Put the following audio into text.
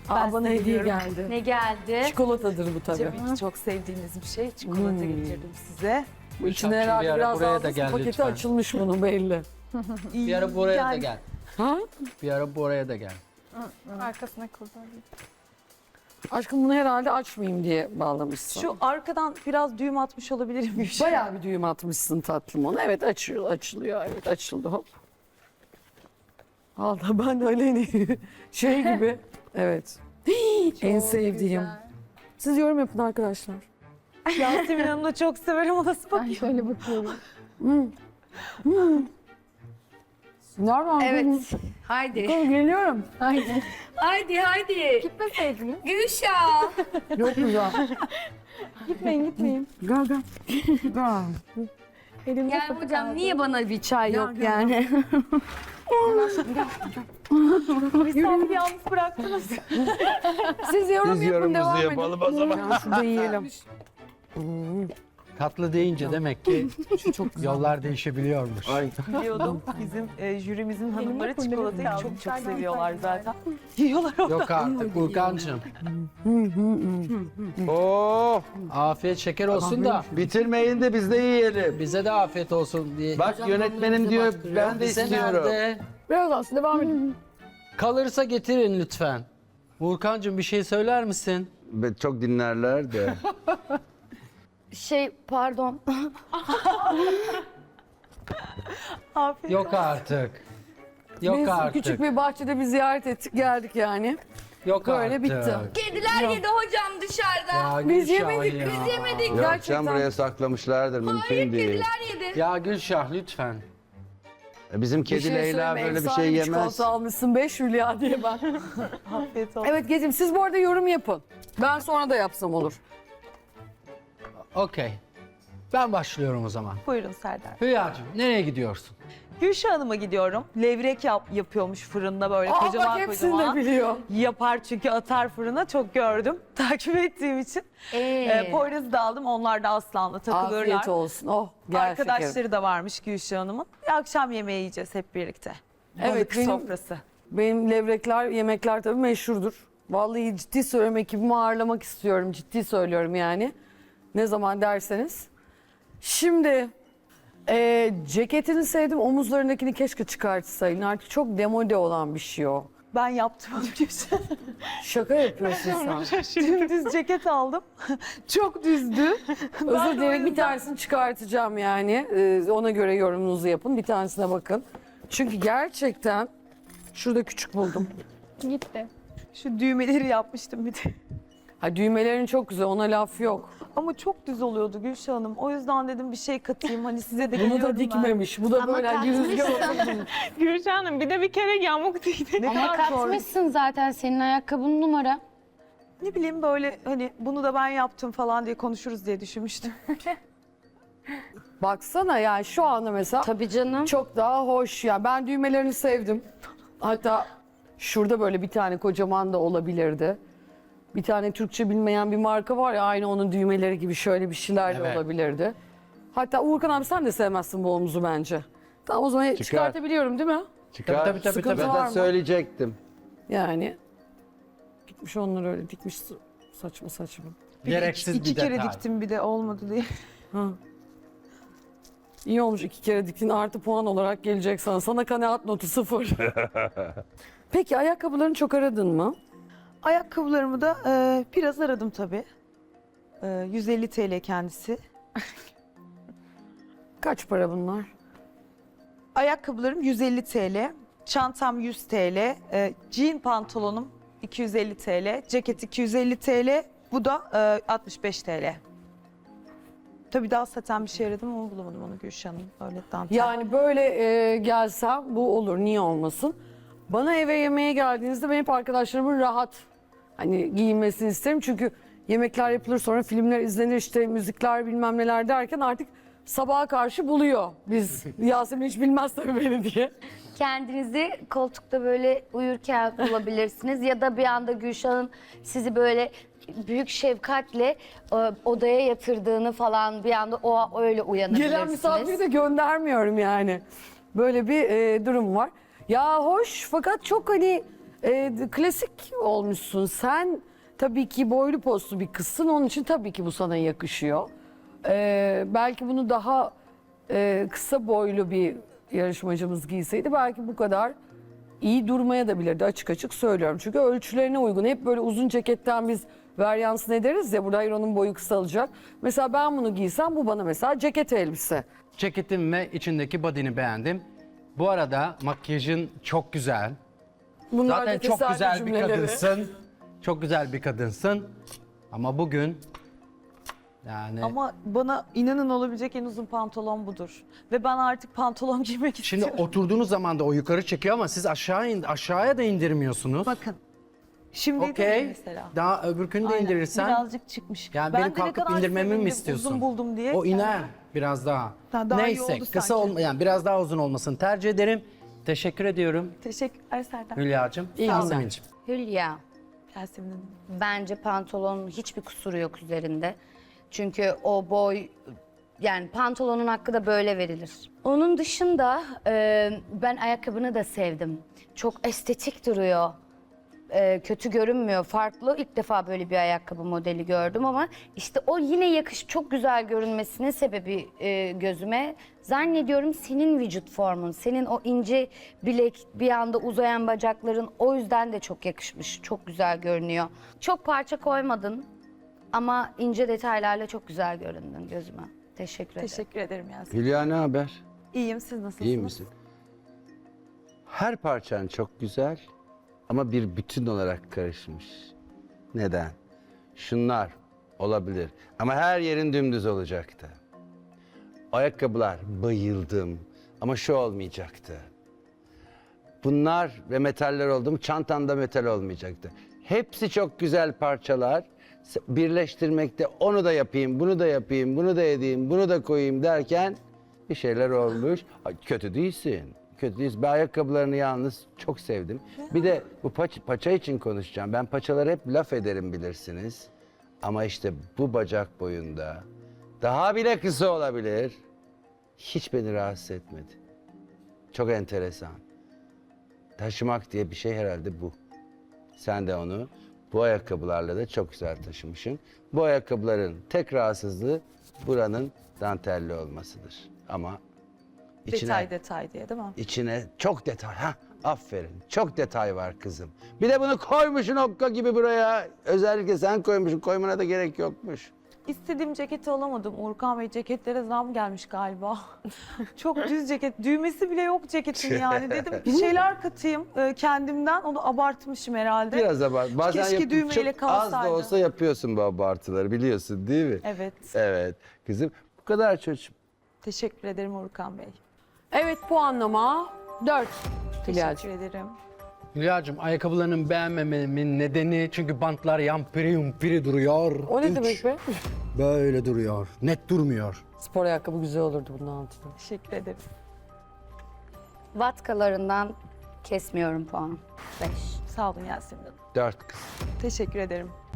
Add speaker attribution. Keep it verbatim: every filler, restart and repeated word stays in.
Speaker 1: Aa, bana hediye geldi.
Speaker 2: Ne geldi?
Speaker 1: Çikolatadır bu tabii.
Speaker 3: Tabii çok sevdiğiniz bir şey. Çikolata
Speaker 1: Hmm.
Speaker 3: getirdim size.
Speaker 1: Bu içine
Speaker 4: Gülşah'cığım, bir
Speaker 1: herhalde
Speaker 4: ara
Speaker 1: biraz
Speaker 4: buraya da
Speaker 1: daha
Speaker 4: gel
Speaker 1: paketi
Speaker 4: lütfen.
Speaker 1: açılmış bunun belli.
Speaker 4: Bir ara buraya da
Speaker 3: Yani
Speaker 4: gel.
Speaker 1: Ha?
Speaker 4: Bir ara buraya da gel.
Speaker 5: Arkasına kurban.
Speaker 1: Aşkım bunu herhalde açmayayım diye bağlamışsın.
Speaker 3: Şu arkadan biraz düğüm atmış olabilirim. Bir şey.
Speaker 1: Bayağı bir düğüm atmışsın tatlım onu. Evet açıyor, açılıyor. Evet açıldı hop. Allah ben de öyle hani şey gibi. Evet. en sevdiğim. Siz yorum yapın arkadaşlar.
Speaker 3: Yasemin Hanım'ı da çok severim. O nasıl
Speaker 5: Ben
Speaker 3: bakıyor?
Speaker 5: şöyle bakıyorum.
Speaker 1: Nereden?
Speaker 2: Evet. Haydi.
Speaker 1: Geliyorum.
Speaker 5: Haydi.
Speaker 2: Haydi haydi.
Speaker 5: Gitmeseydiniz.
Speaker 2: Gülşah.
Speaker 1: Çok güzel.
Speaker 5: Gitmeyin gitmeyin.
Speaker 1: Gel gel. Gel.
Speaker 5: Elimde
Speaker 2: Yani
Speaker 5: sapı
Speaker 2: hocam
Speaker 5: kaldı.
Speaker 2: niye bana bir çay yok
Speaker 1: gel.
Speaker 2: yani?
Speaker 3: Misafiri yalnız bıraktınız.
Speaker 1: Siz yorum
Speaker 6: Biz
Speaker 1: yapın devam
Speaker 6: yorumumuzu
Speaker 1: edin.
Speaker 6: yapalım o zaman.
Speaker 1: Ya şurada yiyelim.
Speaker 4: Tatlı deyince demek ki yollar değişebiliyormuş.
Speaker 6: Ay.
Speaker 3: Biliyordum. Bizim e, jürimizin hanımları
Speaker 5: Elimde
Speaker 3: çikolatayı
Speaker 5: kurdele
Speaker 3: çok çok
Speaker 5: kaldı.
Speaker 3: seviyorlar zaten. Yiyorlar orada.
Speaker 4: Yok artık Urkancığım.
Speaker 6: Oo,
Speaker 4: Afiyet şeker olsun da
Speaker 6: bitirmeyin de biz de yiyelim.
Speaker 4: bize de afiyet olsun diye.
Speaker 6: Bak yönetmenim diyor, ben de
Speaker 4: Bize
Speaker 6: istiyorum.
Speaker 4: nerede?
Speaker 1: Biraz aslında devam edin.
Speaker 4: Kalırsa getirin lütfen. Urkancığım bir şey söyler misin?
Speaker 6: Be- Çok dinlerler de.
Speaker 2: Şey pardon.
Speaker 3: Afiyet.
Speaker 4: Yok artık. Yok
Speaker 1: Biz
Speaker 4: artık.
Speaker 1: küçük bir bahçede bir ziyaret ettik geldik yani.
Speaker 4: Yok
Speaker 1: böyle
Speaker 4: artık.
Speaker 1: bitti.
Speaker 2: Kediler yedi hocam dışarıda.
Speaker 4: Ya
Speaker 1: Biz
Speaker 4: Gülşah
Speaker 1: yemedik,
Speaker 4: ya.
Speaker 1: biz yemedik.
Speaker 6: Yok
Speaker 1: Gerçekten.
Speaker 6: can buraya saklamışlardır, mümkün değil.
Speaker 2: Kediler yedi.
Speaker 4: Ya Gülşah lütfen.
Speaker 6: E, Bizim
Speaker 1: Bir
Speaker 6: kedi
Speaker 1: şey
Speaker 6: Leyla
Speaker 1: söyleyeyim,
Speaker 6: böyle bir
Speaker 1: efsane
Speaker 6: şey yemez.
Speaker 1: çikolata almışsın beş hülya diye ben.
Speaker 3: Afiyet olsun.
Speaker 1: Evet Gezim siz bu arada yorum yapın. Ben sonra da yapsam olur.
Speaker 4: Okey. Ben başlıyorum o zaman.
Speaker 3: Buyurun Serdar.
Speaker 4: Hülya'cığım nereye gidiyorsun?
Speaker 3: Gülşah Hanım'a gidiyorum. Levrek yap, yapıyormuş fırında böyle
Speaker 1: Aa
Speaker 3: kocaman
Speaker 1: bak hepsini
Speaker 3: kocaman.
Speaker 1: de biliyor.
Speaker 3: Yapar çünkü atar fırına çok gördüm. Takip ettiğim için.
Speaker 2: Ee,
Speaker 3: Ee, Poyraz'ı da aldım. Onlar da Aslan'la takılırlar.
Speaker 1: Afiyet olsun. Oh gel
Speaker 3: Arkadaşları
Speaker 1: şekerim.
Speaker 3: da varmış Gülşah Hanım'ın. Bir akşam yemeği yiyeceğiz hep birlikte.
Speaker 1: Evet,
Speaker 3: Balık
Speaker 1: benim-
Speaker 3: sofrası.
Speaker 1: Benim levrekler, yemekler tabii meşhurdur. Vallahi ciddi söylüyorum ekibimi ağırlamak istiyorum. Ciddi söylüyorum yani. Ne zaman derseniz. Şimdi e, ceketini sevdim. Omuzlarındakini keşke çıkartsaydın. Artık çok demode olan bir şey o.
Speaker 3: Ben yaptım onu Gülşah.
Speaker 1: Şaka yapıyorsun sen.
Speaker 3: Dümdüz ceket aldım. Çok düzdü.
Speaker 1: Özür dilerim bir tanesini çıkartacağım yani. Ee, ona göre yorumunuzu yapın. Bir tanesine bakın. Çünkü gerçekten şurada küçük buldum.
Speaker 5: Gitti.
Speaker 3: Şu düğmeleri yapmıştım bir de.
Speaker 1: Ha, düğmelerin çok güzel ona laf yok.
Speaker 3: Ama çok düz oluyordu Gülşah Hanım. O yüzden dedim bir şey katayım. Hani size de
Speaker 1: Bunu da
Speaker 3: geliyorum ben.
Speaker 1: dikmemiş. Bu da
Speaker 2: Ama
Speaker 1: böyle hani bir rüzgar
Speaker 2: katmışsın.
Speaker 1: olsun.
Speaker 5: Gülşah Hanım bir de bir kere yamuk dikti.
Speaker 3: Ne
Speaker 2: Ama
Speaker 3: kadar zor.
Speaker 2: katmışsın zaten senin ayakkabın numara.
Speaker 3: Ne bileyim böyle hani bunu da ben yaptım falan diye konuşuruz diye düşünmüştüm.
Speaker 1: Baksana yani şu anda mesela
Speaker 2: Tabii canım.
Speaker 1: çok daha hoş ya. Ben düğmelerini sevdim. Hatta şurada böyle bir tane kocaman da olabilirdi. Bir tane Türkçe bilmeyen bir marka var ya aynı onun düğmeleri gibi şöyle bir şeyler de
Speaker 4: Evet.
Speaker 1: olabilirdi. Hatta Uğurkan abi sen de sevmezsin bu omuzu bence. Tamam o zaman çıkartabiliyorum değil mi?
Speaker 6: Çıkar.
Speaker 4: Tabii, tabii, tabii,
Speaker 1: Sıkıntı
Speaker 4: tabii.
Speaker 1: var
Speaker 6: Zaten
Speaker 1: mı?
Speaker 6: söyleyecektim.
Speaker 1: Yani gitmiş onları öyle dikmiş saçma saçma.
Speaker 4: Gereksiz
Speaker 3: iki
Speaker 4: bir
Speaker 3: kere
Speaker 4: detay.
Speaker 3: diktim bir de olmadı diye.
Speaker 1: Ha. İyi olmuş iki kere diktin artı puan olarak gelecek sana. Sana kanaat notu sıfır. Peki ayakkabılarını çok aradın mı?
Speaker 3: Ayakkabılarımı da e, biraz aradım tabii. E, yüz elli T L kendisi.
Speaker 1: Kaç para bunlar?
Speaker 3: Ayakkabılarım yüz elli T L. Çantam yüz T L. E, jean pantolonum iki yüz elli T L. Ceket iki yüz elli T L. Bu da e, altmış beş T L. Tabii daha saten bir şey aradım ama bulamadım onu Gülşah Hanım. Öyle dantel.
Speaker 1: Yani böyle e, gelsem bu olur niye olmasın. Bana eve yemeğe geldiğinizde ben hep arkadaşlarımın rahat hani giyinmesini isterim. Çünkü yemekler yapılır sonra filmler izlenir işte müzikler bilmem neler derken artık sabaha karşı buluyor. Biz Yasemin hiç bilmez tabii beni diye.
Speaker 2: Kendinizi koltukta böyle uyurken bulabilirsiniz ya da bir anda Gülşah'ın sizi böyle büyük şefkatle e, odaya yatırdığını falan bir anda o öyle uyanabilirsiniz.
Speaker 1: Gelen misafiri de göndermiyorum yani. Böyle bir e, durum var. Ya hoş fakat çok hani e, klasik olmuşsun. Sen tabii ki boylu postlu bir kızsın. Onun için tabii ki bu sana yakışıyor. E, belki bunu daha e, kısa boylu bir yarışmacımız giyseydi belki bu kadar iyi durmaya da bilirdi, açık açık söylüyorum. Çünkü ölçülerine uygun. Hep böyle uzun ceketten biz varyansın ederiz ya, burada hayır onun boyu kısalacak. Mesela ben bunu giysem bu bana mesela ceket elbise.
Speaker 4: Ceketin ve içindeki body'ni beğendim. Bu arada makyajın çok güzel.
Speaker 1: Bunlar
Speaker 4: Zaten
Speaker 1: da
Speaker 4: çok
Speaker 1: tesadüf
Speaker 4: güzel bir
Speaker 1: cümleleri.
Speaker 4: kadınsın. Çok güzel bir kadınsın. Ama bugün yani
Speaker 3: Ama bana inanın olabilecek en uzun pantolon budur. Ve ben artık pantolon giymek
Speaker 4: şimdi
Speaker 3: istiyorum.
Speaker 4: oturduğunuz zaman da o yukarı çekiyor ama siz aşağı in, aşağıya da indirmiyorsunuz.
Speaker 3: Bakın. Şimdi
Speaker 4: Okey.
Speaker 3: mesela.
Speaker 4: Daha öbürkünü de
Speaker 3: Aynen,
Speaker 4: indirirsen
Speaker 3: birazcık çıkmış.
Speaker 4: yani
Speaker 3: Ben
Speaker 4: benim
Speaker 3: de ne
Speaker 4: kalkıp
Speaker 3: kadar
Speaker 4: indirmemi mi
Speaker 3: sevindim,
Speaker 4: istiyorsun?
Speaker 3: Uzun buldum diye.
Speaker 4: O iner biraz daha.
Speaker 3: Ha, daha iyi
Speaker 4: Neyse
Speaker 3: oldu
Speaker 4: kısa
Speaker 3: sanki.
Speaker 4: olma yani biraz daha uzun olmasını tercih ederim. Teşekkür ediyorum
Speaker 3: Teşekkürler Serdar.
Speaker 4: Hülya'cığım.
Speaker 1: İyi
Speaker 4: Yasemin'ciğim.
Speaker 2: Hülya,
Speaker 3: Yasemin Hanım.
Speaker 2: bence pantolonun hiçbir kusuru yok üzerinde. Çünkü o boy, yani pantolonun hakkı da böyle verilir. Onun dışında e, ben ayakkabını da sevdim. Çok estetik duruyor. E, kötü görünmüyor, farklı. İlk defa böyle bir ayakkabı modeli gördüm ama işte o yine yakış, çok güzel görünmesinin sebebi e, gözüme. Zannediyorum senin vücut formun, senin o ince bilek, bir anda uzayan bacakların o yüzden de çok yakışmış, çok güzel görünüyor. Çok parça koymadın ama ince detaylarla çok güzel göründün gözüme. Teşekkür ederim.
Speaker 3: Teşekkür ederim Yasemin.
Speaker 6: Hülya ne haber?
Speaker 3: İyiyim, siz nasılsınız?
Speaker 6: İyi misin? Her parçan çok güzel ama bir bütün olarak karışmış. Neden? Şunlar olabilir ama her yerin dümdüz olacaktı. Ayakkabılar bayıldım ama şu olmayacaktı. Bunlar ve metaller oldu mu çantanda metal olmayacaktı. Hepsi çok güzel parçalar. Birleştirmekte onu da yapayım, bunu da yapayım, bunu da edeyim, bunu da koyayım derken bir şeyler olmuş. Ay, kötü değilsin. Kötü değilsin. Ben ayakkabılarını yalnız çok sevdim. Bir de bu paç, paça için konuşacağım. Ben paçaları hep laf ederim bilirsiniz. Ama işte bu bacak boyunda daha bile kısa olabilir. Hiç beni rahatsız etmedi. Çok enteresan. Taşımak diye bir şey herhalde bu. Sen de onu bu ayakkabılarla da çok güzel taşımışsın. Bu ayakkabıların tek rahatsızlığı buranın dantelli olmasıdır. Ama içine,
Speaker 3: Detay detay diye değil mi?
Speaker 6: içine çok detay. Ha, aferin. Çok detay var kızım. Bir de bunu koymuşsun okka gibi buraya. Özellikle sen koymuşsun. Koymana da gerek yokmuş.
Speaker 3: İstediğim ceketi alamadım. Uğurkan Bey, ceketlere zam gelmiş galiba. Çok düz ceket. Düğmesi bile yok ceketin yani. Dedim bir şeyler katayım e, kendimden. Onu abartmışım herhalde.
Speaker 6: Biraz abart. Bazen
Speaker 3: Keşke
Speaker 6: yap-
Speaker 3: düğmeyle
Speaker 6: çok az
Speaker 3: kalsaydı.
Speaker 6: da olsa yapıyorsun bu abartıları biliyorsun değil mi?
Speaker 3: Evet.
Speaker 6: Evet. Kızım bu kadar çocuğum.
Speaker 3: Teşekkür ederim Uğurkan Bey.
Speaker 1: Evet, puanlama dört.
Speaker 3: Teşekkür ederim.
Speaker 4: Hülya'cığım ayakkabılarının beğenmememin nedeni çünkü bantlar yampiri yumpiri duruyor.
Speaker 1: O ne
Speaker 4: Üç,
Speaker 1: demek be?
Speaker 4: Böyle duruyor. Net durmuyor.
Speaker 1: Spor ayakkabı güzel olurdu bunun altında.
Speaker 3: Teşekkür ederim.
Speaker 2: Vatkalarından kesmiyorum puan. Beş.
Speaker 3: Sağ olun Yasemin Hanım.
Speaker 6: Dört kız.
Speaker 3: Teşekkür ederim.